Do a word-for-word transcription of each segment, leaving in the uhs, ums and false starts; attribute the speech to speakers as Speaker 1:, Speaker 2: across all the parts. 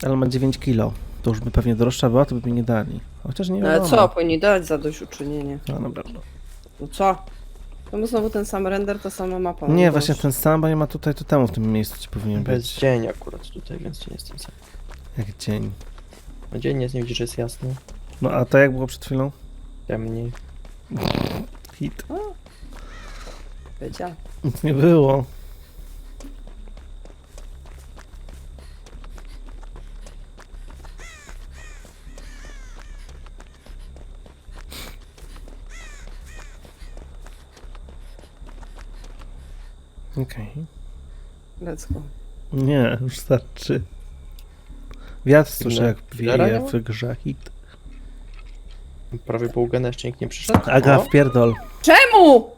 Speaker 1: Ale ma dziewięć kilo. To już by pewnie droższa była, to by mi nie dali. Chociaż nie
Speaker 2: No
Speaker 1: wiadomo.
Speaker 2: ale co, powinni dać zadośćuczynienie.
Speaker 1: No dobra.
Speaker 2: No co? To mu znowu ten sam render, ta sama mapa.
Speaker 1: Nie,
Speaker 2: no
Speaker 1: właśnie
Speaker 2: boż.
Speaker 1: ten sam, bo nie ma tutaj, to temu w tym miejscu ci powinien
Speaker 3: To jest
Speaker 1: być.
Speaker 3: dzień akurat tutaj, więc nie jestem sam.
Speaker 1: Jak dzień.
Speaker 3: No dzień jest, nie widzisz, że jest jasno.
Speaker 1: No a to jak było przed chwilą?
Speaker 3: Ciemniej.
Speaker 1: Hit.
Speaker 2: Wiedział.
Speaker 1: Nic nie było. Okej.
Speaker 2: Let's go.
Speaker 1: Nie, już starczy. Wiatr słyszę jak
Speaker 3: Killera
Speaker 1: wieje
Speaker 3: miała?
Speaker 1: w grze. Hit.
Speaker 3: Prawie pół gena jeszcze nikt nie przyszedł.
Speaker 1: Aga,
Speaker 3: O,
Speaker 1: wpierdol.
Speaker 2: Czemu?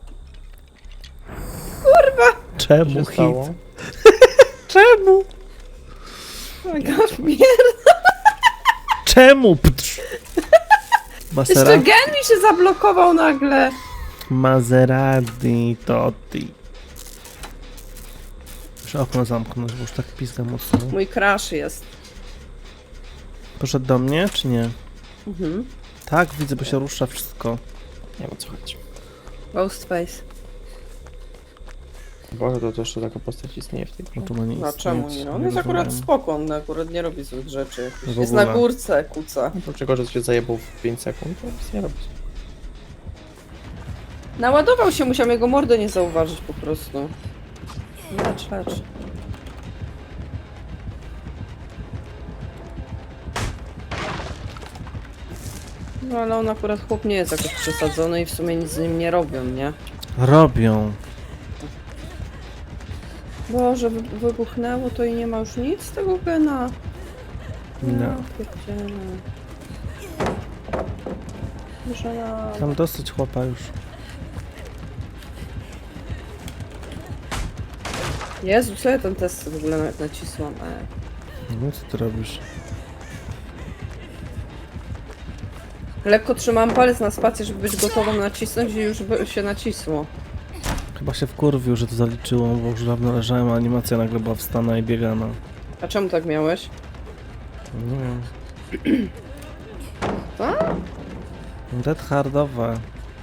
Speaker 3: co
Speaker 1: Czemu
Speaker 3: się
Speaker 1: hit?
Speaker 3: stało?
Speaker 1: Czemu?
Speaker 2: Agapier.
Speaker 1: Czemu? Ptrz. Masera...
Speaker 2: Jeszcze gen mi się zablokował nagle.
Speaker 1: Maserati Totti. Muszę okno zamknąć, bo już tak pizga mocno.
Speaker 2: Mój crash jest.
Speaker 1: Poszedł do mnie, czy nie?
Speaker 2: Mhm.
Speaker 1: Tak, widzę, bo się rusza wszystko.
Speaker 3: Nie wiem o co chodzi.
Speaker 2: Ghostface.
Speaker 3: Boże, to też taka postać istnieje w tej grze.
Speaker 1: No to ma nie
Speaker 2: A czemu
Speaker 1: istnieć,
Speaker 2: nie? On jest
Speaker 1: rozumiem.
Speaker 2: akurat spoko, on akurat nie robi złych rzeczy.
Speaker 1: W
Speaker 2: Jest
Speaker 1: ogóle.
Speaker 2: na górce, kuca.
Speaker 3: No to czego, że się zajebał w pięć sekund, to nic nie robi.
Speaker 2: Naładował się, musiał jego mordę nie zauważyć po prostu. Lecz, lecz. No ale on akurat chłop nie jest jakoś przesadzony i w sumie nic z nim nie robią, nie?
Speaker 1: Robią.
Speaker 2: Boże, wy wybuchnęło to i nie ma już nic z tego gena.
Speaker 1: No.
Speaker 2: Ja pierdzielę. Muszę na...
Speaker 1: Tam dosyć chłopa już.
Speaker 2: Jezu, co ja ten test w ogóle nawet nacisłam? E.
Speaker 1: No co ty robisz?
Speaker 2: Lekko trzymałam palec na spację, żeby być gotową nacisnąć i już by się nacisło.
Speaker 1: Chyba się wkurwił, że to zaliczyło, bo już dawno leżałem, a animacja nagle była wstana i biegana.
Speaker 2: A czemu tak miałeś?
Speaker 1: Nie wiem.
Speaker 2: A?
Speaker 1: Dead hardowe.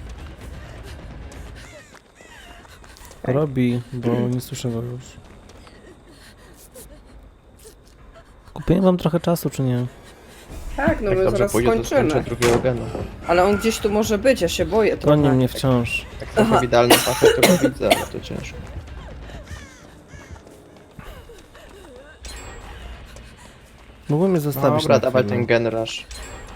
Speaker 2: Okej.
Speaker 1: Robi, bo nie słyszę go już. Kupiłem wam trochę czasu, czy nie?
Speaker 2: Tak, no
Speaker 3: Jak
Speaker 2: my
Speaker 3: dobrze
Speaker 2: zaraz
Speaker 3: pójdzie, to skończę
Speaker 2: skończymy.
Speaker 3: drugiego gena.
Speaker 2: Ale on gdzieś tu może być, ja się boję trochę.
Speaker 1: Goni mnie wciąż.
Speaker 3: Jak trochę w idealnym pachę, to go widzę, ale to ciężko.
Speaker 1: Mógłbym mnie zostawić
Speaker 3: Dobra,
Speaker 1: na
Speaker 3: dawaj
Speaker 1: chwilę.
Speaker 3: ten gen rush.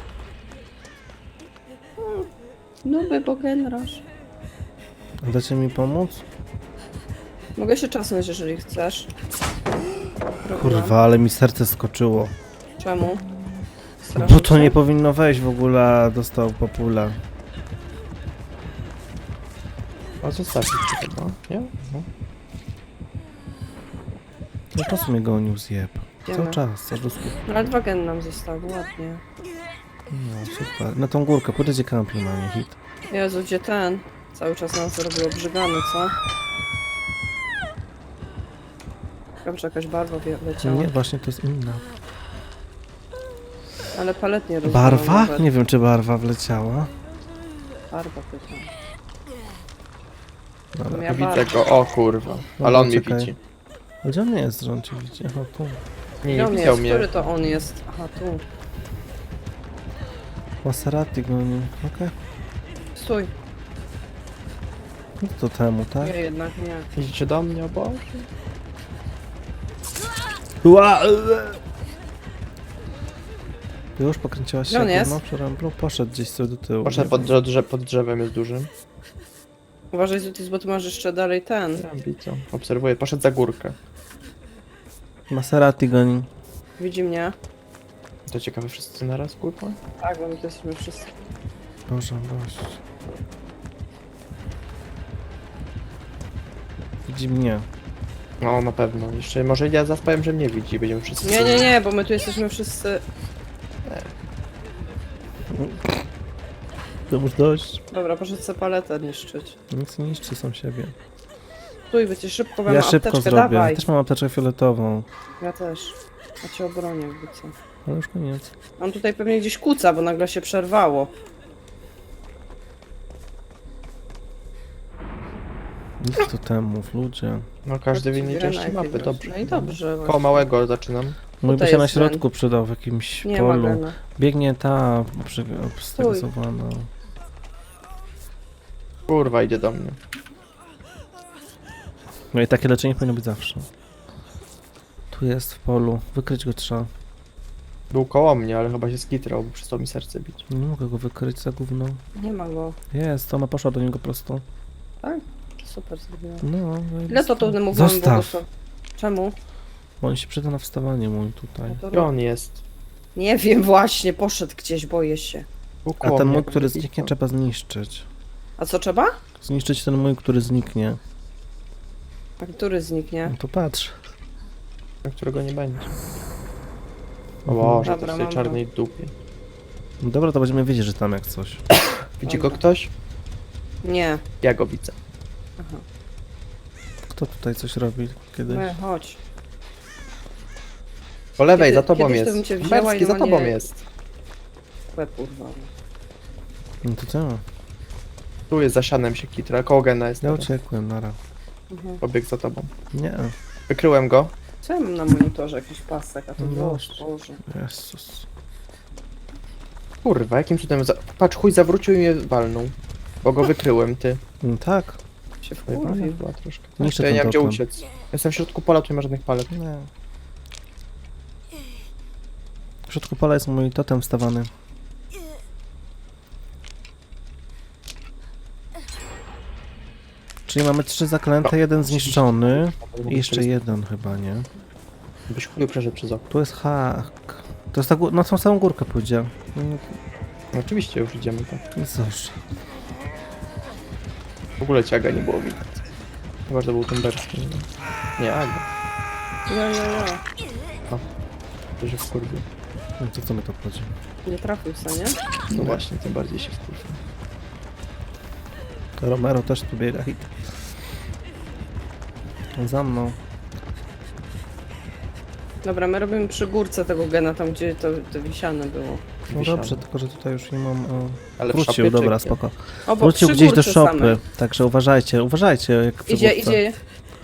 Speaker 2: No by, bo generasz.
Speaker 1: Dacie mi pomóc?
Speaker 2: Mogę się czasnąć, jeżeli chcesz. Robiłam.
Speaker 1: Kurwa, ale mi serce skoczyło.
Speaker 2: Czemu?
Speaker 1: Bo
Speaker 2: Strasznie
Speaker 1: to
Speaker 2: cię?
Speaker 1: nie powinno wejść w ogóle, a dostał popula.
Speaker 3: A zostawić to chyba, nie? No.
Speaker 1: No po co mnie gonił zjeb?
Speaker 2: Idziemy.
Speaker 1: Cały czas, cały czas.
Speaker 2: Ale dwa gen nam zostały, ładnie.
Speaker 1: No super. Na tą górkę, pójdziecie kampi na nie hit.
Speaker 2: Jezu, gdzie ten? Cały czas nas zrobił obrzygany, co? Dobrze, jakaś barwa wie- leciała.
Speaker 1: Nie, właśnie to jest inna.
Speaker 2: Ale palet nie rozumiem.
Speaker 1: Barwa?
Speaker 2: Nawet.
Speaker 1: Nie wiem, czy barwa wleciała.
Speaker 2: Barwa pytam.
Speaker 1: Dobra.
Speaker 2: Ja
Speaker 3: Widzę
Speaker 2: bardzo.
Speaker 3: go, o kurwa.
Speaker 1: No,
Speaker 3: Ale on mnie
Speaker 1: czekaj.
Speaker 3: widzi.
Speaker 1: Gdzie on jest, że on cię widzi? Aha, tu.
Speaker 3: Nie,
Speaker 2: Gdzie
Speaker 3: nie
Speaker 2: on
Speaker 3: widział
Speaker 2: jest?
Speaker 3: mnie.
Speaker 2: Który to on jest? Aha, tu.
Speaker 1: Maserati goni. Okej.
Speaker 2: Stój.
Speaker 1: No to temu, tak?
Speaker 2: Nie, jednak nie.
Speaker 3: Idziecie do mnie, o Boże.
Speaker 1: Ła! Już pokręciłaś się
Speaker 2: Gdzie on
Speaker 1: jak
Speaker 2: jest?
Speaker 1: gówno przy ręblu? Poszedł gdzieś sobie do tyłu.
Speaker 3: Poszedł pod, drze pod drzewem, jest dużym.
Speaker 2: Uważaj, Zutis, bo ty masz jeszcze dalej ten.
Speaker 3: Ja widzę. Obserwuję, poszedł za górkę.
Speaker 1: Maserati goni.
Speaker 2: Widzi mnie?
Speaker 3: To ciekawe, wszyscy naraz, kurwa?
Speaker 2: Tak, bo my to jesteśmy wszyscy.
Speaker 1: Boże, gość. Widzi mnie.
Speaker 3: No, na pewno. Jeszcze może ja zaspałem, że mnie widzi, będziemy wszyscy...
Speaker 2: Nie, nie, nie, bo my tu jesteśmy wszyscy...
Speaker 1: To już dość.
Speaker 2: Dobra, poszedł sobie paletę niszczyć.
Speaker 1: Nic nie niszczy sam siebie.
Speaker 2: Stój, wiecie, szybko wam
Speaker 1: Ja szybko
Speaker 2: apteczkę,
Speaker 1: zrobię.
Speaker 2: dawaj.
Speaker 1: Też mam apteczkę fioletową.
Speaker 2: Ja też. A cię obronię jakby co.
Speaker 1: Ale już koniec.
Speaker 2: On tutaj pewnie gdzieś kuca, bo nagle się przerwało.
Speaker 1: Nic tu temów, ludzie.
Speaker 3: No każdy w innej
Speaker 2: Zbieraj
Speaker 3: części
Speaker 2: najpierw
Speaker 3: mapy,
Speaker 2: właśnie.
Speaker 3: dobrze.
Speaker 2: No i dobrze.
Speaker 3: Koło
Speaker 2: właśnie.
Speaker 3: małego zaczynam.
Speaker 1: Mój by
Speaker 2: Tutaj
Speaker 1: się na
Speaker 2: jest
Speaker 1: środku
Speaker 2: ten.
Speaker 1: przydał w jakimś
Speaker 2: Nie ma
Speaker 1: polu.
Speaker 2: gena.
Speaker 1: Biegnie ta przy- obstresowana.
Speaker 3: Kurwa, idzie do mnie.
Speaker 1: No i takie leczenie powinno być zawsze. Tu jest w polu. Wykryć go trzeba.
Speaker 3: Był koło mnie, ale chyba się skitrał, bo przestał mi serce bić.
Speaker 1: Nie mogę go wykryć za gówno.
Speaker 2: Nie ma go.
Speaker 1: Jest, ona poszła do niego prosto.
Speaker 2: Tak? Super zrobiłem.
Speaker 1: No,
Speaker 2: Ile to tu mógłbym
Speaker 1: Zostaw!
Speaker 2: błogosław- Czemu?
Speaker 1: Bo on się przyda na wstawanie mój tutaj.
Speaker 2: No to
Speaker 3: Gdzie on jest?
Speaker 2: Nie wiem właśnie, poszedł gdzieś, boję się.
Speaker 3: Był
Speaker 1: A
Speaker 3: koło
Speaker 1: ten
Speaker 3: mnie,
Speaker 1: mój,
Speaker 3: jak
Speaker 1: który
Speaker 3: wybiegł.
Speaker 1: zniknie, trzeba zniszczyć.
Speaker 2: A co trzeba?
Speaker 1: Zniszczyć ten mój, który zniknie.
Speaker 2: A który zniknie?
Speaker 1: No to patrz.
Speaker 3: Na którego nie będzie. O
Speaker 1: Mhm.
Speaker 3: Boże,
Speaker 2: Dobra,
Speaker 3: to w tej
Speaker 2: mam
Speaker 3: czarnej dupie.
Speaker 1: No dobra, to będziemy wiedzieć, że tam jak coś.
Speaker 3: Widzi go ktoś?
Speaker 2: Nie.
Speaker 3: Ja go widzę.
Speaker 2: Aha.
Speaker 1: Kto tutaj coś robi kiedyś?
Speaker 2: No, chodź.
Speaker 3: Po lewej,
Speaker 2: Kiedy-
Speaker 3: za tobą
Speaker 2: kiedyś to
Speaker 3: jest.
Speaker 2: bym cię wzięła
Speaker 3: Berski,
Speaker 2: i
Speaker 3: za
Speaker 2: normalnie-
Speaker 3: tobą jest.
Speaker 2: Łeb urwał.
Speaker 1: No to co?
Speaker 3: Tu jest za sianem się kitra, koło gena jest.
Speaker 1: Ja
Speaker 3: teraz.
Speaker 1: uciekłem, nara.
Speaker 2: Mhm.
Speaker 3: Pobiegł za tobą.
Speaker 1: Nie.
Speaker 3: Wykryłem go.
Speaker 2: Co ja mam na monitorze? Jakiś pasek, a to
Speaker 1: No
Speaker 2: było
Speaker 1: właśnie.
Speaker 2: Boże.
Speaker 1: Jezus.
Speaker 3: Kurwa, jakim cudem... Za... Patrz, chuj zawrócił i mnie walnął. Bo go wykryłem, ty.
Speaker 1: No tak.
Speaker 2: Się
Speaker 3: Pojebana
Speaker 2: wkurwił.
Speaker 3: była troszkę.
Speaker 1: Niszczę
Speaker 3: To ja nie
Speaker 1: ten
Speaker 3: mam gdzie
Speaker 1: totem.
Speaker 3: uciec. Jestem w środku pola, tu nie ma żadnych palet.
Speaker 1: Nie. W środku pola jest mój totem wstawany. Czyli mamy trzy zaklęte, jeden zniszczony i jeszcze jeden chyba, nie?
Speaker 3: Byś chuj przeszedł przez okno.
Speaker 1: Tu jest hak. To jest ta gó- na tą samą górkę pójdzie. Mm,
Speaker 3: No, oczywiście już idziemy tak.
Speaker 1: Cóż.
Speaker 3: W ogóle ciaga nie było widać. Chyba, że to był ten berski. Nie, nie Aga.
Speaker 2: Ja, ja, ja.
Speaker 3: To się wkurwił.
Speaker 1: No to co mi to chodzi?
Speaker 2: Nie trafił se, nie?
Speaker 3: No właśnie, tym bardziej się wkurwił.
Speaker 1: Romero też tu biega hit. Za mną.
Speaker 2: Dobra, my robimy przy górce tego gena, tam gdzie to, to wisiane było.
Speaker 1: No
Speaker 3: Wisiane.
Speaker 1: dobrze, tylko że tutaj już nie mam... O...
Speaker 3: Ale w
Speaker 1: Wrócił,
Speaker 3: szopie
Speaker 1: dobra,
Speaker 3: czy-
Speaker 1: spoko.
Speaker 2: O, bo
Speaker 1: Wrócił
Speaker 2: przy
Speaker 1: gdzieś do
Speaker 2: górce
Speaker 1: szopy,
Speaker 2: same.
Speaker 1: także uważajcie, uważajcie jak przy
Speaker 2: Idzie,
Speaker 1: górce.
Speaker 2: idzie.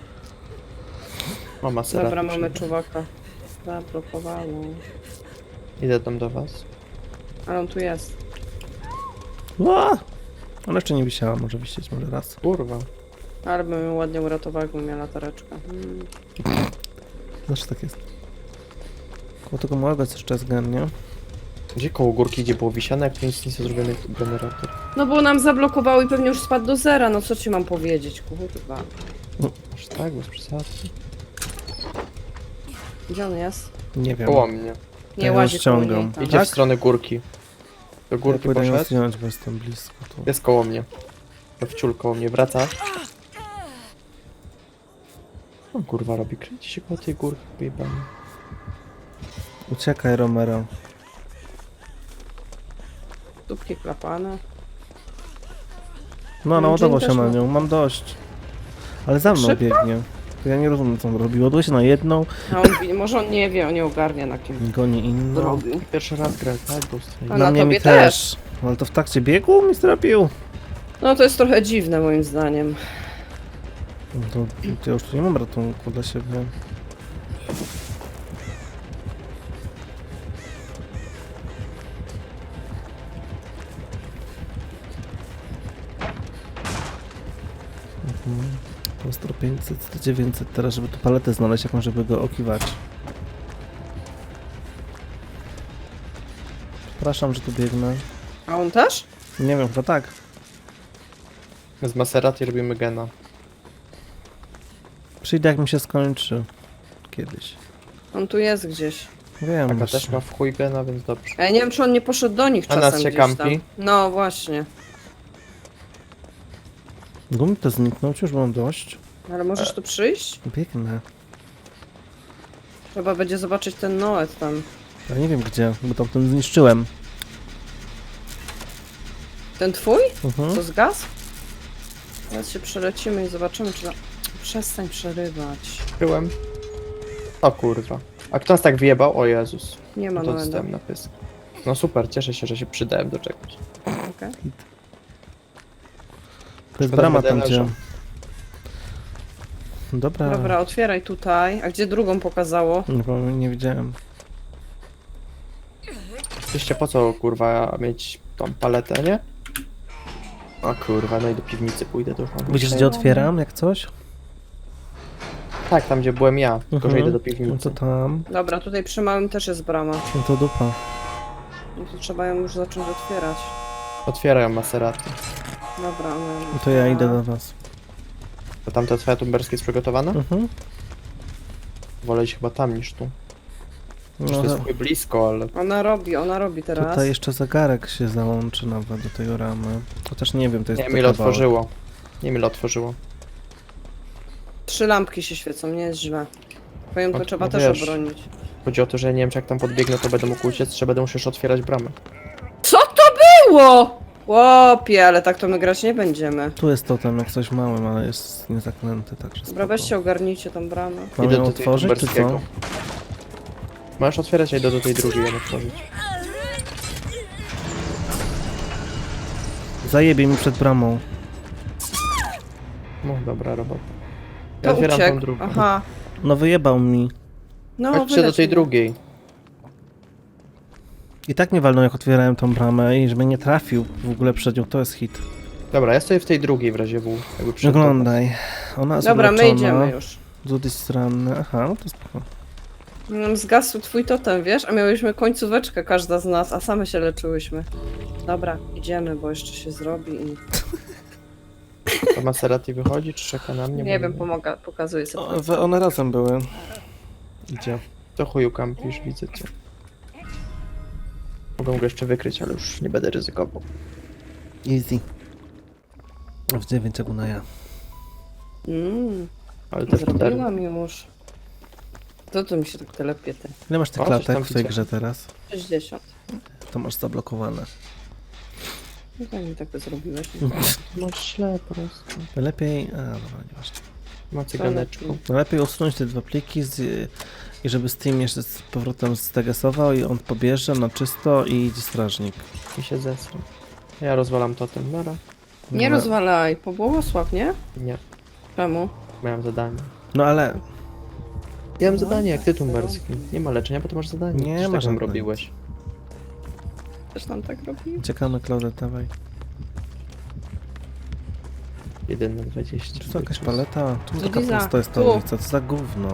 Speaker 3: Mama sera.
Speaker 2: Dobra, mamy czuwaka. Zablokowało.
Speaker 3: Idę tam do was.
Speaker 2: Ale on tu jest.
Speaker 1: Ła! Ona jeszcze nie wisiała, może wisieć, może raz.
Speaker 3: Kurwa.
Speaker 2: Ale bym ją ładnie uratował, jakbym miała latareczkę. Hmm.
Speaker 1: Zawsze tak jest. Koło tego małego jest jeszcze jest gen, nie?
Speaker 3: Gdzie koło górki, gdzie było wisiane, jak tu nic nie jest zrobiony generator?
Speaker 2: No bo nam zablokowało i pewnie już spadł do zera, no co ci mam powiedzieć, kurwa.
Speaker 3: Aż tak, bez przesady.
Speaker 2: Gdzie on jest?
Speaker 1: Nie wiem.
Speaker 3: Koło mnie.
Speaker 2: Nie
Speaker 1: Ja
Speaker 2: łazi
Speaker 1: ją
Speaker 2: koło
Speaker 1: ściągam.
Speaker 2: niej tam.
Speaker 3: Idzie
Speaker 1: Tak?
Speaker 3: w stronę górki. Do
Speaker 1: Ja
Speaker 3: górki
Speaker 1: pójdę ją
Speaker 3: poszedł.
Speaker 1: zdjąć, bo jestem blisko tu.
Speaker 3: Jest koło mnie. To wciul koło mnie, wraca. O kurwa robi, kręci się koło tej górki, pojebany.
Speaker 1: Uciekaj, Romero.
Speaker 2: Dupki klapane.
Speaker 1: No, naładował
Speaker 2: Dzień
Speaker 1: się
Speaker 2: też
Speaker 1: na
Speaker 2: ma.
Speaker 1: nią, mam dość. Ale za mną
Speaker 2: Szybko?
Speaker 1: biegnie. To ja nie rozumiem, co on robi. Ładuje się na jedną,
Speaker 2: A on, wi- może on nie wie, on nie ogarnia na kim
Speaker 1: goni inną.
Speaker 2: robił.
Speaker 3: Pierwszy raz grę, tak? Ghost Recon.
Speaker 2: A
Speaker 1: Na
Speaker 2: na
Speaker 1: mnie
Speaker 2: tobie
Speaker 1: mi też. Ale to w trakcie biegu mi strapił.
Speaker 2: No to jest trochę dziwne moim zdaniem.
Speaker 1: No to, to ja już tu nie mam ratunku dla siebie. Mhm. Postro pięćset, dziewięćset teraz, żeby tu paletę znaleźć jakąś, żeby go okiwać. Przepraszam, że tu biegnę.
Speaker 2: A on też?
Speaker 1: Nie wiem, chyba tak.
Speaker 3: Z Maserati robimy gena.
Speaker 1: Przyjdę jak mi się skończy. Kiedyś.
Speaker 2: On tu jest gdzieś.
Speaker 1: Wiem.
Speaker 3: Taka
Speaker 1: właśnie.
Speaker 3: też ma w chuj gena, więc dobrze.
Speaker 2: A ja nie wiem, czy on nie poszedł do nich
Speaker 3: A nas
Speaker 2: czasem
Speaker 3: się
Speaker 2: gdzieś tam.
Speaker 3: kampi?
Speaker 2: No właśnie.
Speaker 1: Gumi to zniknął, już mam dość.
Speaker 2: Ale możesz tu przyjść?
Speaker 1: Biegnę.
Speaker 2: Trzeba będzie zobaczyć ten Noet tam.
Speaker 1: Ja nie wiem gdzie, bo tam ten zniszczyłem.
Speaker 2: Ten twój?
Speaker 1: Mhm.
Speaker 2: Co zgasł? Teraz się przelecimy i zobaczymy, czy... Przestań przerywać.
Speaker 3: Byłem. O kurwa. A kto nas tak wyjebał? O Jezus.
Speaker 2: Nie ma
Speaker 3: No to
Speaker 2: Noeda.
Speaker 3: dostałem na pysk. No super, cieszę się, że się przydałem do czegoś.
Speaker 2: Okej.
Speaker 1: To jest
Speaker 3: Szkoda,
Speaker 1: brama
Speaker 3: że
Speaker 1: tam,
Speaker 3: będę
Speaker 1: gdzie...
Speaker 3: leżał.
Speaker 1: Dobra.
Speaker 2: Dobra, otwieraj tutaj. A gdzie drugą pokazało?
Speaker 1: Nie, bo nie widziałem.
Speaker 3: Oczywiście po co kurwa mieć tą paletę, nie? O kurwa, no i do piwnicy pójdę, to już mam
Speaker 1: Widzisz, gdzie
Speaker 3: przejebane.
Speaker 1: otwieram, jak coś?
Speaker 3: Tak, tam gdzie byłem ja, tylko że
Speaker 1: Mhm.
Speaker 3: idę do
Speaker 1: No
Speaker 3: piwnicy.
Speaker 1: to tam.
Speaker 2: Dobra, tutaj przy małym też jest brama.
Speaker 1: No to dupa.
Speaker 2: No to trzeba ją już zacząć otwierać.
Speaker 3: Otwierają Maserati.
Speaker 2: Dobra, ona...
Speaker 1: No to ja idę do was.
Speaker 3: To tamta twoja tumberska jest przygotowana?
Speaker 1: Mhm.
Speaker 3: Wolę iść chyba tam niż tu.
Speaker 1: No,
Speaker 3: No, to jest chuj blisko, ale...
Speaker 2: Ona robi, ona robi teraz.
Speaker 1: tutaj jeszcze zegarek się załączy nawet do tej ramy. Chociaż nie wiem, to jest
Speaker 3: Nie wiem
Speaker 1: to
Speaker 3: ile
Speaker 1: kawałek.
Speaker 3: otworzyło. Nie wiem ile otworzyło.
Speaker 2: Trzy lampki się świecą, nie jest źle. Pająka
Speaker 3: No,
Speaker 2: trzeba
Speaker 3: no
Speaker 2: też
Speaker 3: wiesz.
Speaker 2: obronić.
Speaker 3: Chodzi o to, że nie wiem czy jak tam podbiegnę to będę mógł uciec, czy będę musiał już otwierać bramę.
Speaker 2: Co to było? Łopie, ale tak to my grać nie będziemy.
Speaker 1: Tu jest totem, jak coś małym, ale jest niezaklęty, także
Speaker 2: Dobra,
Speaker 1: spoko.
Speaker 2: weźcie ogarnijcie tą bramę.
Speaker 1: Mam
Speaker 3: Idę
Speaker 1: ją
Speaker 3: do tej
Speaker 1: otworzyć, czy co?
Speaker 3: tumberskiego. Możesz otwierać, a idę do tej drugiej ją otworzyć.
Speaker 1: Zajebie mi przed bramą.
Speaker 3: No dobra robota. Ja
Speaker 2: To
Speaker 3: otwieram tą
Speaker 2: uciekł.
Speaker 3: drugą.
Speaker 2: Aha.
Speaker 1: No wyjebał mi.
Speaker 2: No,
Speaker 3: Chodźcie do
Speaker 2: wyleć
Speaker 3: tej
Speaker 2: mnie.
Speaker 3: drugiej.
Speaker 1: I tak mnie walnął, jak otwierałem tą bramę i żeby nie trafił w ogóle przed nią, to jest hit.
Speaker 3: Dobra, ja stoję w tej drugiej w razie W. Jakby przed tobą.
Speaker 1: Oglądaj. Ona jest
Speaker 2: Dobra, my
Speaker 1: uleczona.
Speaker 2: idziemy już.
Speaker 1: Z drugiej strony. Aha, no to spoko.
Speaker 2: Nam zgasł twój totem, wiesz? A miałyśmy końcóweczkę każda z nas, a same się leczyłyśmy. Dobra, idziemy, bo jeszcze się zrobi i...
Speaker 3: To Maserati wychodzi, czy czeka na mnie?
Speaker 2: Nie
Speaker 3: Bo
Speaker 2: wiem, pomaga, pokazuję
Speaker 1: O,
Speaker 2: sobie.
Speaker 1: we- one razem były. Idzie.
Speaker 3: To chuju kampisz, widzę cię. Mogę go jeszcze wykryć, ale już nie będę ryzykował.
Speaker 1: Easy. W dziewięć jak na ja.
Speaker 2: Mmm,
Speaker 3: Ale to zrobiłam.
Speaker 2: zrobiłam już. To tu mi się tak telepie, ty.
Speaker 1: Ile masz tych
Speaker 3: O, coś tam
Speaker 1: klatek w tej
Speaker 3: widzę.
Speaker 1: grze teraz?
Speaker 2: sześćdziesiąt.
Speaker 1: To masz zablokowane.
Speaker 2: No tak mi tak to zrobiłeś.
Speaker 3: Masz źle po prostu.
Speaker 1: Lepiej... A, dobra, nieważne.
Speaker 3: Ma cyganeczką.
Speaker 1: No lepiej usunąć te dwa pliki z, i żeby Steam jeszcze z powrotem zdegesował i on pobierze na czysto i idzie strażnik.
Speaker 3: Mi się zesrał. Ja rozwalam totem, nara.
Speaker 2: Nie
Speaker 1: No,
Speaker 2: rozwalaj, pobłogosław, nie?
Speaker 3: Nie,
Speaker 2: Czemu?
Speaker 3: miałem zadanie.
Speaker 1: No ale
Speaker 3: Ja mam zadanie jak ty tumberski. Nie ma leczenia, bo ty masz zadanie.
Speaker 1: Nie
Speaker 3: Przecież
Speaker 1: ma
Speaker 3: tak nam
Speaker 1: żadnego.
Speaker 3: robiłeś.
Speaker 2: Też nam tak robi?
Speaker 1: czekamy, Claudette, dawaj.
Speaker 3: jeden na dwadzieścia.
Speaker 1: Czy to jakaś paleta? Czemu
Speaker 2: Tu
Speaker 1: taka
Speaker 2: Liza,
Speaker 1: pusta jest ta
Speaker 2: tu.
Speaker 1: ulica? Co za gówno?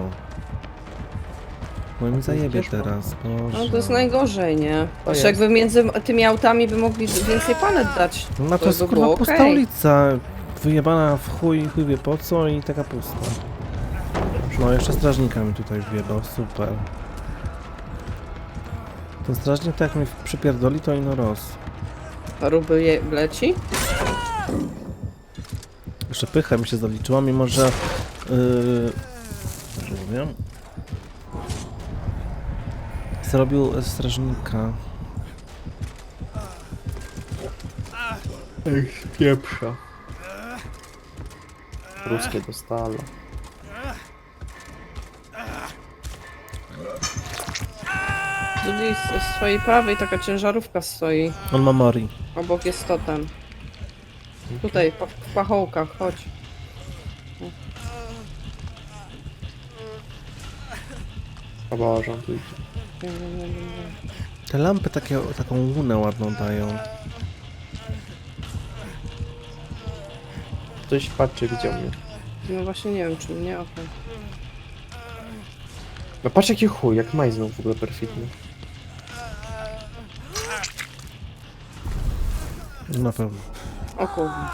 Speaker 1: Bo mi zajebie
Speaker 3: Wiesz, bo-
Speaker 1: teraz,
Speaker 2: No to jest
Speaker 1: Boże.
Speaker 2: najgorzej, nie?
Speaker 3: To
Speaker 2: Jeszcze
Speaker 3: jest.
Speaker 2: jakby między tymi autami by mogli więcej palet dać.
Speaker 1: No to jest
Speaker 2: by
Speaker 1: kurwa
Speaker 2: było
Speaker 1: pusta
Speaker 2: okej.
Speaker 1: ulica. Wyjebana w chuj, chuj wie po co i taka pusta. No jeszcze strażnika mi tutaj wjebał, super. Ten strażnik tak jak mi przypierdoli, to ino roz.
Speaker 2: Ruby je leci?
Speaker 1: Jeszcze pycha mi się zaliczyła, mimo że... Yy, nie wiem. Zrobił strażnika.
Speaker 3: Ej, pieprza. Ruskie dostalo.
Speaker 2: Tutaj z, z swojej prawej taka ciężarówka stoi.
Speaker 1: On ma mori.
Speaker 2: Obok jest totem. Tutaj, po, w pachołkach, chodź.
Speaker 3: O Boże, on tu idzie.
Speaker 2: Nie, nie, nie, nie.
Speaker 1: Te lampy takie, taką łunę ładną dają.
Speaker 3: Ktoś patrzy, widział mnie.
Speaker 2: No właśnie nie wiem, czy mnie, okej.
Speaker 3: No patrz jaki chuj, jak majznął w ogóle perfidny.
Speaker 1: Na pewno.
Speaker 2: O kurwa.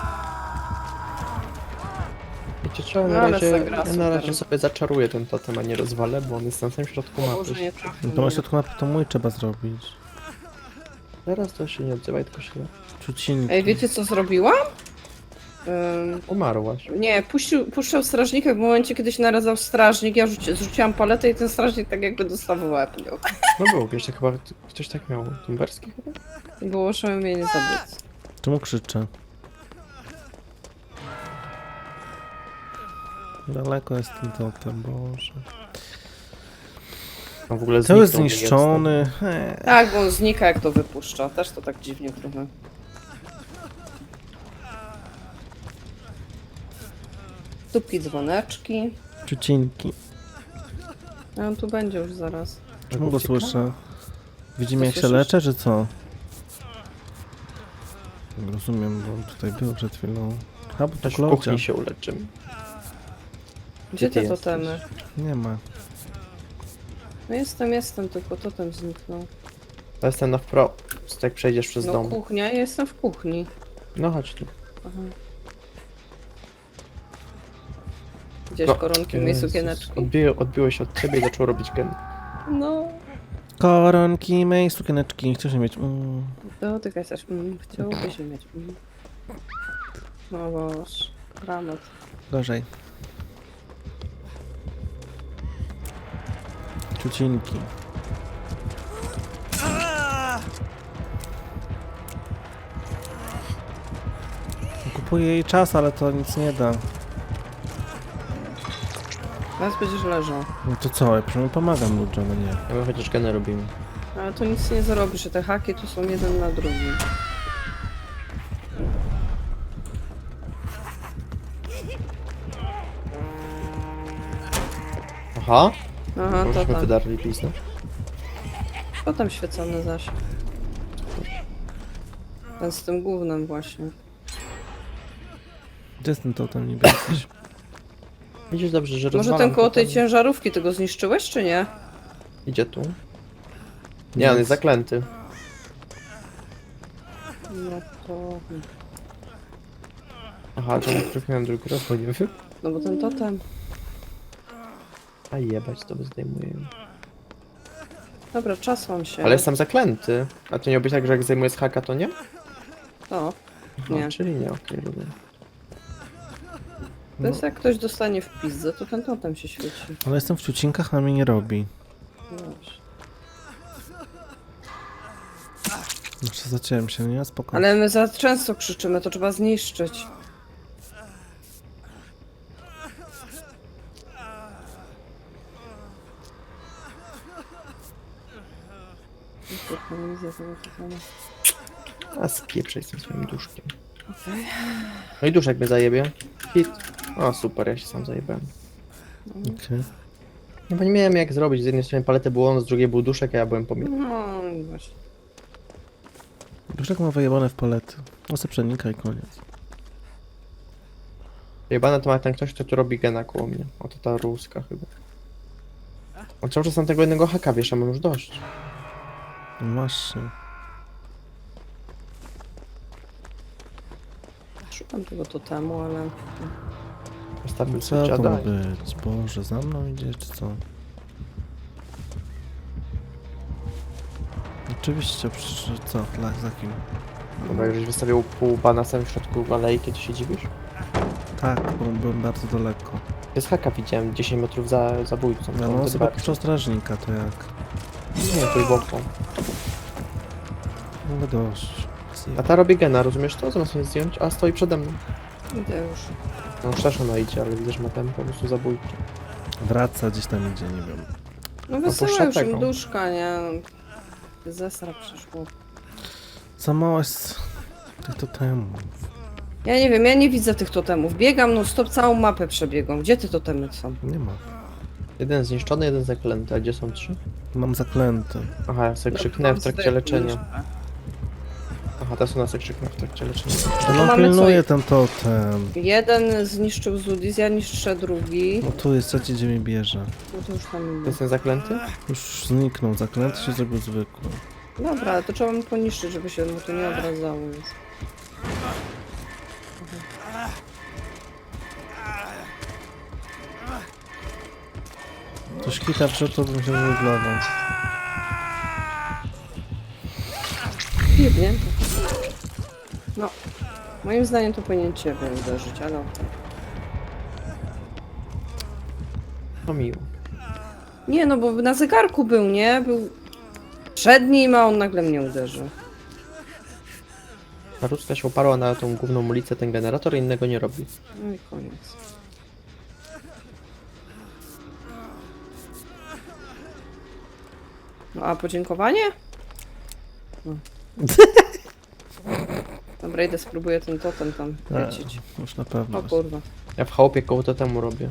Speaker 3: Wiecie trzeba
Speaker 2: No,
Speaker 3: na
Speaker 2: ale
Speaker 3: razie,
Speaker 2: zagra
Speaker 3: ja na
Speaker 2: super.
Speaker 3: razie sobie zaczaruję ten totem, a nie rozwalę, bo on jest na samym środku
Speaker 2: Boże,
Speaker 3: mapy.
Speaker 2: nie trafię.
Speaker 1: No to na środku mapy to mój trzeba zrobić.
Speaker 3: Teraz to się nie odzywaj, tylko się...
Speaker 1: Czucinki.
Speaker 2: Ej, wiecie co zrobiłam? Ym,
Speaker 3: Umarłaś.
Speaker 2: nie, puścił, puszczał strażnika w momencie, kiedy się narazał strażnik, ja rzuci, zrzuciłam paletę i ten strażnik tak jakby dostał w łeb. nią.
Speaker 3: No było, wiesz, chyba ktoś tak miał. Tumberski chyba?
Speaker 2: Było oszałamienie zabójcy.
Speaker 1: Czemu krzyczę? Daleko jest ten totem, Boże.
Speaker 3: No w ogóle
Speaker 1: To jest
Speaker 3: zniknął mi
Speaker 1: zniszczony. Eee.
Speaker 2: Tak, bo on znika jak to wypuszcza. Też to tak dziwnie trochę. Tubki, dzwoneczki.
Speaker 1: Ciucinki.
Speaker 2: A on tu będzie już zaraz.
Speaker 1: Czemu go
Speaker 3: Ucieka?
Speaker 1: słyszę? Widzimy
Speaker 2: Co
Speaker 1: jak się
Speaker 2: słyszysz?
Speaker 1: leczę, czy co? Nie rozumiem, bo on tutaj był przed chwilą. A, bo to
Speaker 3: Też w
Speaker 1: Klaudia.
Speaker 3: kuchni się uleczymy.
Speaker 2: Gdzie
Speaker 3: ty
Speaker 2: te
Speaker 3: jesteś?
Speaker 2: totemy?
Speaker 1: Nie ma.
Speaker 2: No jestem, jestem, tylko totem zniknął.
Speaker 3: To jestem na wprost, jak przejdziesz przez
Speaker 2: No
Speaker 3: dom.
Speaker 2: kuchnia, ja jestem w kuchni.
Speaker 3: No chodź tu.
Speaker 2: Aha. Gdzieś
Speaker 3: No,
Speaker 2: koronki w mojej
Speaker 3: Jezus.
Speaker 2: sukieneczki.
Speaker 3: Odbiło, odbiło się od ciebie i zaczął robić gen.
Speaker 2: No,
Speaker 1: Koronki, mej, sukieneczki. Chcesz je mieć? Mm.
Speaker 2: dotykaj też. Mm, chciałbyś mieć. Mm. No boż, dramat.
Speaker 1: Gorzej. Ciucinki. Kupuję jej czas, ale to nic nie da.
Speaker 2: Teraz będziesz leżał.
Speaker 1: No to co? Ja przynajmniej pomagam ludziom, a nie.
Speaker 3: A my chociaż geny robimy.
Speaker 2: Ale to nic nie zarobisz, że te haki tu są jeden na drugim.
Speaker 3: Aha,
Speaker 2: Aha, to
Speaker 3: możemy
Speaker 2: tam.
Speaker 3: wydarli pisnąć.
Speaker 2: To tam świecony zaś. Ten z tym gównem właśnie.
Speaker 1: Gdzie jest ten totem niby jesteś?
Speaker 3: Widzisz dobrze, że
Speaker 2: Może
Speaker 3: rozwalam
Speaker 2: ten koło
Speaker 3: to
Speaker 2: tej
Speaker 3: tam.
Speaker 2: ciężarówki, ty go zniszczyłeś, czy nie?
Speaker 3: Idzie tu. Nie, on jest zaklęty.
Speaker 2: No to...
Speaker 3: Aha, to najpierw miałem drugi raz, bo nie wiem.
Speaker 2: No bo ten totem...
Speaker 3: A jebać, to zdejmuję.
Speaker 2: Dobra, czas mam się.
Speaker 3: Ale jestem zaklęty. A to nie być tak, że jak zdejmuję z haka, to nie?
Speaker 2: O,
Speaker 3: Aha,
Speaker 2: Nie.
Speaker 3: czyli nie, okej, rozumiem.
Speaker 2: to jest jak ktoś dostanie w pizzę, to ten totem się świeci.
Speaker 1: Ale jestem w ciucinkach, a mi nie robi.
Speaker 2: No właśnie.
Speaker 1: Znaczy zaciąłem się, nie? Spoko.
Speaker 2: Ale my za często krzyczymy, to trzeba zniszczyć. Kurwa, nie widzę tego totemu.
Speaker 3: A spieprzaj z tym swoim duszkiem.
Speaker 2: Okej.
Speaker 3: No i duszek mnie zajebie. Hit. O, super, ja się sam zajebałem.
Speaker 1: Okej.
Speaker 3: No bo nie miałem jak zrobić. Z jednej strony paletę było on, z drugiej był duszek, a ja byłem pomiędzy.
Speaker 2: No i właśnie.
Speaker 1: Duszek ma wyjebane w palety. No se przenika i koniec.
Speaker 3: Jebane to ma ten ktoś, kto tu robi gena koło mnie. Oto ta ruska chyba. On cały czas na tego jednego haka wiesza, mam już dość.
Speaker 1: No właśnie.
Speaker 2: Szukam tego totemu, ale...
Speaker 3: Postawił
Speaker 1: Co
Speaker 3: sobie
Speaker 1: to ma
Speaker 3: dziada.
Speaker 1: być? Boże, za mną idzie, czy co? Oczywiście, przecież co? Dla, za kim?
Speaker 3: Dobra, jak żeś wystawił pół bana w środku alejki, to się dziwisz?
Speaker 1: Tak, bo byłem bardzo daleko.
Speaker 3: Ja z haka widziałem dziesięć metrów za zabójcą.
Speaker 1: Ja
Speaker 3: to
Speaker 1: no,
Speaker 3: wtedy
Speaker 1: sobie
Speaker 3: bardziej.
Speaker 1: puszczał strażnika, to jak?
Speaker 3: Nie, tu i boką.
Speaker 1: No dość.
Speaker 3: A ta robi gena, rozumiesz to? Zamiast mnie zdjąć, a stoi przede mną.
Speaker 2: Idę już.
Speaker 3: No też ona idzie, ale widzę, że ma tempo po prostu zabójcze.
Speaker 1: Wraca, gdzieś tam idzie, nie wiem.
Speaker 2: No
Speaker 3: puszcza
Speaker 2: wysyła już
Speaker 3: tego.
Speaker 2: im duszka, nie? Zesra przyszło.
Speaker 1: Za mało jest tych totemów.
Speaker 2: Ja nie wiem, ja nie widzę tych totemów. Biegam no stop, całą mapę przebiegam. Gdzie te totemy są?
Speaker 1: Nie ma.
Speaker 3: Jeden zniszczony, jeden zaklęty, a gdzie są trzy?
Speaker 1: Mam zaklęty.
Speaker 3: Aha, ja sobie
Speaker 2: No,
Speaker 3: krzyknę w
Speaker 2: mam
Speaker 3: trakcie
Speaker 2: zdech-
Speaker 3: leczenia. Aha, teraz u nas sobie krzyknę w trakcie leczenia.
Speaker 1: No, no
Speaker 2: mamy
Speaker 1: pilnuję
Speaker 2: co?
Speaker 1: ten totem.
Speaker 2: Jeden zniszczył Zudis, ja niszczę drugi.
Speaker 1: No tu jest trzeci, gdzie mnie bierze.
Speaker 2: No to już tam
Speaker 3: To
Speaker 2: idę.
Speaker 3: jest ten zaklęty?
Speaker 1: Już zniknął, zaklęty się zrobił zwykły.
Speaker 2: Dobra, ale to trzeba mu poniszczyć, żeby się mu to nie odradzało już.
Speaker 1: To kita przed to bym się wyglował.
Speaker 2: Jebnięte. No. Moim zdaniem to powinien ciebie uderzyć, ale okej.
Speaker 3: No miło.
Speaker 2: Nie no, bo na zegarku był, nie? Był przed nim, a on nagle mnie uderzył.
Speaker 3: Ta ruska się oparła na tą główną ulicę, ten generator i innego nie robi.
Speaker 2: No i koniec. No, a podziękowanie? No. Dobra, idę spróbuję ten totem tam
Speaker 1: E,
Speaker 2: lecieć.
Speaker 1: już na pewno.
Speaker 2: O kurwa.
Speaker 3: Ja w chałupie koło totemu robię.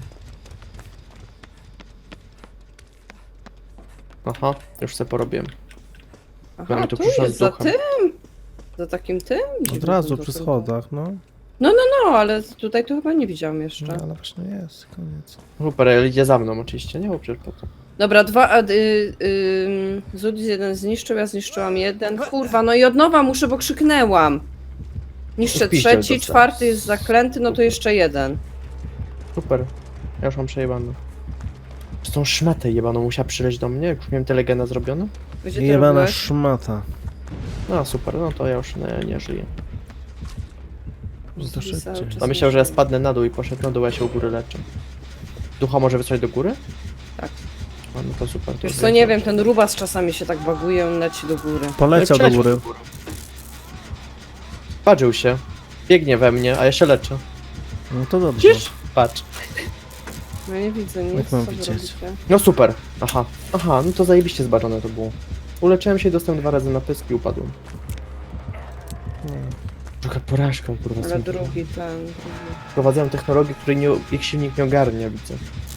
Speaker 3: Aha, już sobie porobiłem.
Speaker 2: Aha,
Speaker 3: Mamy tu
Speaker 2: tu
Speaker 3: przyszła
Speaker 2: jest
Speaker 3: z
Speaker 2: za
Speaker 3: duchem.
Speaker 2: tym? Za takim tym?
Speaker 1: Od
Speaker 2: Dziwnym
Speaker 1: razu
Speaker 2: tym
Speaker 1: przy
Speaker 2: totem.
Speaker 1: schodach, no.
Speaker 2: No, ale tutaj to chyba nie widziałam jeszcze.
Speaker 1: No, ale właśnie jest, koniec.
Speaker 3: Super, ale idzie za mną oczywiście, nie? Bo przecież po to.
Speaker 2: Dobra, dwa. A, y, y, Zudis jeden zniszczył, ja zniszczyłam jeden. Kurwa, no i od nowa muszę, bo krzyknęłam. Niszczę
Speaker 3: Piździel
Speaker 2: trzeci,
Speaker 3: dostałem.
Speaker 2: czwarty jest zaklęty, no to jeszcze jeden.
Speaker 3: Super. Ja już mam przejebane. Z tą szmatę jebaną musiała przyleć do mnie, jak już miałem tyle gena zrobione.
Speaker 2: Gdzie ty
Speaker 1: Jebana
Speaker 2: robiłeś?
Speaker 1: szmata.
Speaker 3: No super, no to ja już nie, nie żyję.
Speaker 1: No to
Speaker 2: Zudis cały
Speaker 1: szybciej.
Speaker 2: czas
Speaker 3: A myślał, że ja
Speaker 2: niszczy.
Speaker 3: spadnę na dół i poszedł na dół, a ja się u góry leczę. Ducha może wysłać do góry?
Speaker 2: Tak.
Speaker 3: A, no to super. To
Speaker 2: Wiesz
Speaker 3: już
Speaker 2: co, nie wiem, ten rubas czasami się tak baguje, on leci do góry.
Speaker 1: Poleciał do
Speaker 3: Przeleciał
Speaker 1: góry.
Speaker 3: Patrzył się. Biegnie we mnie, a ja się leczę.
Speaker 1: No to dobrze.
Speaker 3: Widzisz? Patrz.
Speaker 2: No nie widzę nic,
Speaker 1: Jak mam
Speaker 2: co wy
Speaker 1: widzieć?
Speaker 2: robicie?
Speaker 3: No super. Aha. Aha, no to zajebiście zbaczone to było. Uleczyłem się i dostałem dwa razy na pysk i upadłem. Trochę porażka, kurwa.
Speaker 2: Ale
Speaker 3: są-
Speaker 2: drugi ten... drugi.
Speaker 3: Wprowadzają technologię, której nie, ich silnik nie ogarnia, widzę.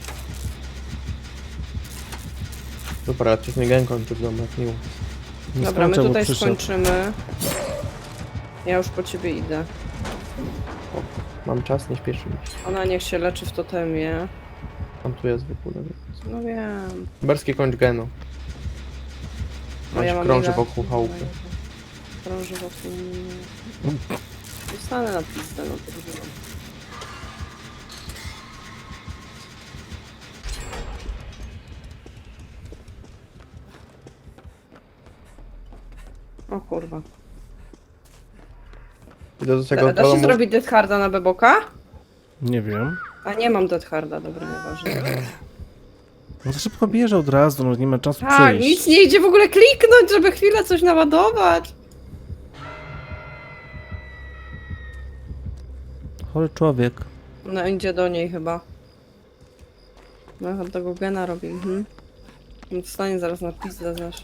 Speaker 3: Super, ale coś mnie gen kończy w domu, jak miło.
Speaker 1: Nie
Speaker 2: Dobra, my
Speaker 1: skończę, bo
Speaker 2: tutaj
Speaker 1: przyszedł.
Speaker 2: skończymy. Ja już po ciebie idę.
Speaker 3: Mam czas, nie śpieszy mi się.
Speaker 2: Ona niech się leczy w totemie.
Speaker 3: Tam tu jest w ogóle. więc-
Speaker 2: No wiem.
Speaker 3: Berski kończ genu.
Speaker 2: No
Speaker 3: On
Speaker 2: ja
Speaker 3: się
Speaker 2: mam
Speaker 3: krąży
Speaker 2: ile?
Speaker 3: wokół chałupy.
Speaker 2: Krąży wokół mnie. Dostanę na pizdę, no to wygląda. O kurwa.
Speaker 3: Idę do tego
Speaker 2: Da, da się
Speaker 3: domu.
Speaker 2: zrobić Death Harda na Beboka?
Speaker 1: Nie wiem.
Speaker 2: A nie mam Death Harda, dobra, nieważne.
Speaker 1: No to szybko bierze od razu, no nie ma czasu
Speaker 2: Tak,
Speaker 1: przyjść.
Speaker 2: nic nie idzie w ogóle kliknąć, żeby chwilę coś naładować.
Speaker 1: Chory człowiek.
Speaker 2: No idzie do niej chyba. No od tego gena robi, mhm. No dostanie zaraz na pizdę, znasz.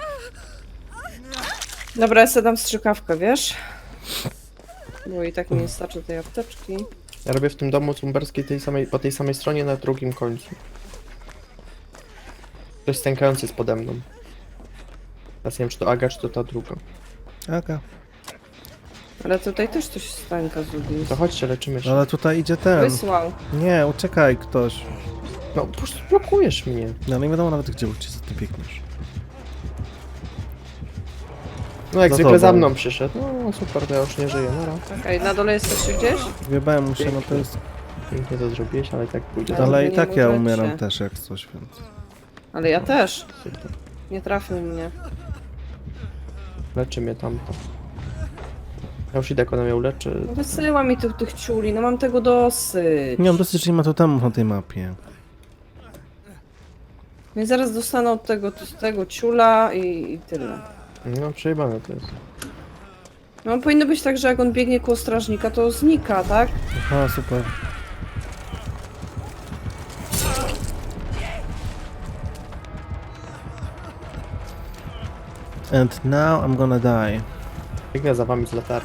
Speaker 2: Dobra, ja sobie dam strzykawkę, wiesz? Bo i tak mi nie starczy tej apteczki.
Speaker 3: Ja robię w tym domu cumberskiej tej samej, po tej samej stronie na drugim końcu. Ktoś stękający jest pode mną. Teraz nie wiem, czy to Aga, czy to ta druga.
Speaker 1: Aga.
Speaker 2: Ale tutaj też coś stańka zrobił.
Speaker 3: To chodźcie, leczymy się.
Speaker 1: Ale tutaj idzie ten.
Speaker 2: Wysłał.
Speaker 1: Nie, uciekaj ktoś.
Speaker 3: No, po prostu blokujesz mnie.
Speaker 1: No nie wiadomo nawet gdzie uciec, ty biegniesz.
Speaker 3: No, jak
Speaker 1: Za
Speaker 3: zwykle za
Speaker 1: tobą.
Speaker 3: mną przyszedł. No, super, to ja już nie żyję. Nara.
Speaker 2: Czekaj, na dole jesteście gdzieś?
Speaker 1: Wjebałem mu się, no to jest...
Speaker 3: Pięknie to zrobiłeś, ale i tak pójdzie.
Speaker 2: Ale
Speaker 1: Ale
Speaker 2: wy
Speaker 1: i
Speaker 2: nie
Speaker 1: tak ja
Speaker 2: możecie.
Speaker 1: umieram też jak coś, więc...
Speaker 2: Ale ja też.
Speaker 3: Super.
Speaker 2: Nie trafił mnie.
Speaker 3: Leczy mnie tamto. Ja już idę, jak ona mnie uleczy.
Speaker 2: No wysyła mi tych, tych ciuli, no mam tego dosyć.
Speaker 1: Nie mam dosyć, że nie ma totemów na tej mapie.
Speaker 2: Więc zaraz dostanę od tego, z tego ciula i, i tyle.
Speaker 3: No, przejebane to jest.
Speaker 2: No powinno być tak, że jak on biegnie koło strażnika, to znika, tak?
Speaker 1: Aha, super. And now I'm gonna die.
Speaker 3: Biegnę za wami z latarni.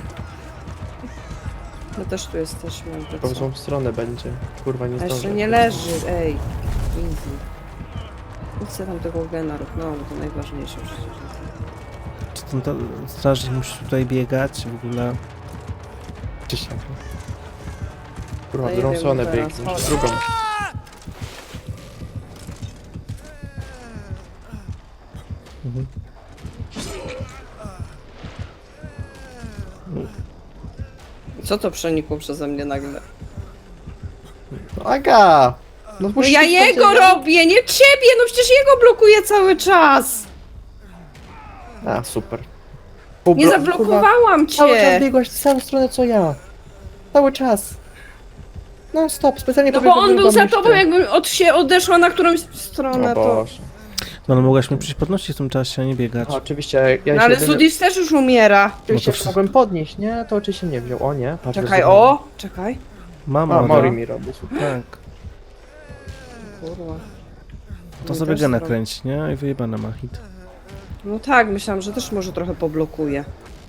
Speaker 2: My też tu jesteśmy. jakby
Speaker 3: W tą
Speaker 2: co.
Speaker 3: złą stronę będzie. Kurwa, nie
Speaker 2: A
Speaker 3: zdążę.
Speaker 2: jeszcze nie leży, ej. Easy. Nic sobie tam tego gena rób, no bo to najważniejsze przecież.
Speaker 1: Czy ten to, strażnik musi tutaj biegać w ogóle?
Speaker 3: Czyś tak. Kurwa,
Speaker 2: No
Speaker 3: w
Speaker 2: nie
Speaker 3: drugą
Speaker 2: wiem
Speaker 3: stronę
Speaker 2: teraz,
Speaker 3: biegniesz.
Speaker 2: chodź.
Speaker 3: W drugą.
Speaker 1: Mhm.
Speaker 2: Co to przenikło przeze mnie nagle?
Speaker 3: No, Aga! No,
Speaker 2: No
Speaker 3: musisz
Speaker 2: ja
Speaker 3: być
Speaker 2: jego
Speaker 3: tam, gdzie-
Speaker 2: robię, nie ciebie! No przecież jego blokuję cały czas!
Speaker 3: A, super.
Speaker 2: Nie
Speaker 3: Ublo-
Speaker 2: zablokowałam
Speaker 3: Kurwa, cały czas
Speaker 2: cię!
Speaker 3: biegłaś w samą stronę co ja. Cały czas. No stop, specjalnie
Speaker 2: No bo
Speaker 3: pobiegłem
Speaker 2: on był za
Speaker 3: myszkę.
Speaker 2: tobą, jakbym od się odeszła na którąś
Speaker 3: O
Speaker 2: stronę, to...
Speaker 3: Boże.
Speaker 1: No ale mogłaś mnie przyjść podnosić w tym czasie, a nie biegać.
Speaker 3: A, oczywiście, ja
Speaker 2: No
Speaker 3: się
Speaker 2: ale
Speaker 3: jedyny-
Speaker 2: Sudis też już umiera.
Speaker 3: Oczywiście
Speaker 1: No to
Speaker 3: jak mogłem podnieść, nie? To oczywiście nie wziął. O nie, patrz.
Speaker 2: Czekaj,
Speaker 3: wyzwanie.
Speaker 2: o! Czekaj.
Speaker 1: Mam,
Speaker 3: A,
Speaker 1: Aga.
Speaker 3: Mori mi robi, super.
Speaker 1: Tak.
Speaker 2: Kurwa.
Speaker 1: To
Speaker 2: Mi
Speaker 1: sobie
Speaker 2: też
Speaker 1: gena
Speaker 2: zrobi.
Speaker 1: kręci, nie? I wyjebane ma hit.
Speaker 2: No tak, myślałam, że też może trochę poblokuje.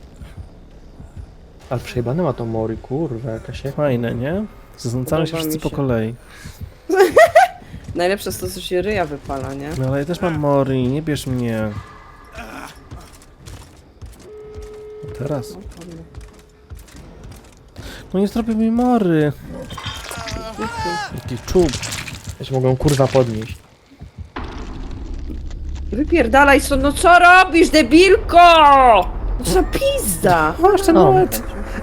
Speaker 3: Ale przejebane ma to Mori, kurwa, jakaś jak...
Speaker 1: Fajne, nie? Zaznacamy się
Speaker 2: Podoba
Speaker 1: wszyscy
Speaker 2: mi
Speaker 1: po
Speaker 2: się.
Speaker 1: kolei.
Speaker 2: Najlepsze jest to, co się ryja wypala, nie?
Speaker 1: No ale ja też mam Mori, nie bierz mnie. Teraz.
Speaker 2: No, ładnie.
Speaker 1: No nie zrobię mi Mory. Jaki czub.
Speaker 3: Ja się mogę kurwa podnieść.
Speaker 2: Wypierdalaj stąd, no co robisz, debilko? No co za pizda?
Speaker 1: Masz ten
Speaker 3: No.
Speaker 1: moment.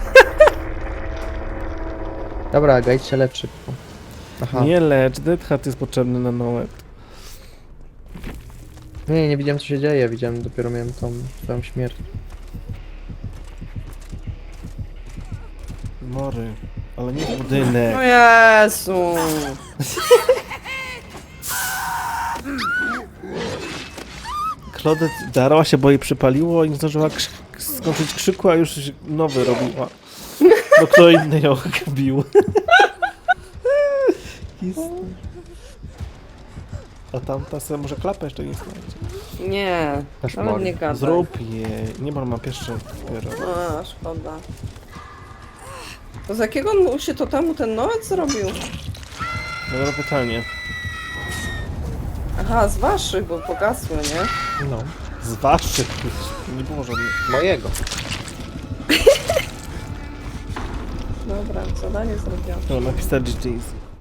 Speaker 3: Dobra, gajdź się lecz szybko. Aha. Nie.
Speaker 1: Nie lecz, Dead Hat jest potrzebny na Noet.
Speaker 3: nie, nie widziałem co się dzieje, widziałem, dopiero miałem tą twoją śmierć.
Speaker 1: Mory. Ale nie
Speaker 2: No
Speaker 1: budynek.
Speaker 2: Jezu.
Speaker 1: Claudette darła się, bo jej przypaliło i nie zdążyła krzyk, skończyć krzyku, a już się nowy robiła. Bo kto inny ją bił. A tamta sobie może klapę jeszcze nie znajdzie.
Speaker 2: Nie,
Speaker 3: Też
Speaker 2: nawet
Speaker 3: Mori.
Speaker 2: nie gadaj.
Speaker 1: Zrób je. Nie, bo mam pierwszy dopiero.
Speaker 2: A, szkoda. To z jakiego mu się to temu ten Noet zrobił?
Speaker 1: Dobre pytanie.
Speaker 2: Aha, z waszych, bo pogasły, nie?
Speaker 3: No.
Speaker 1: Z waszych nie było żadnych.
Speaker 3: Mojego.
Speaker 2: Dobra, zadanie zrobione.
Speaker 1: No, napisać G G's.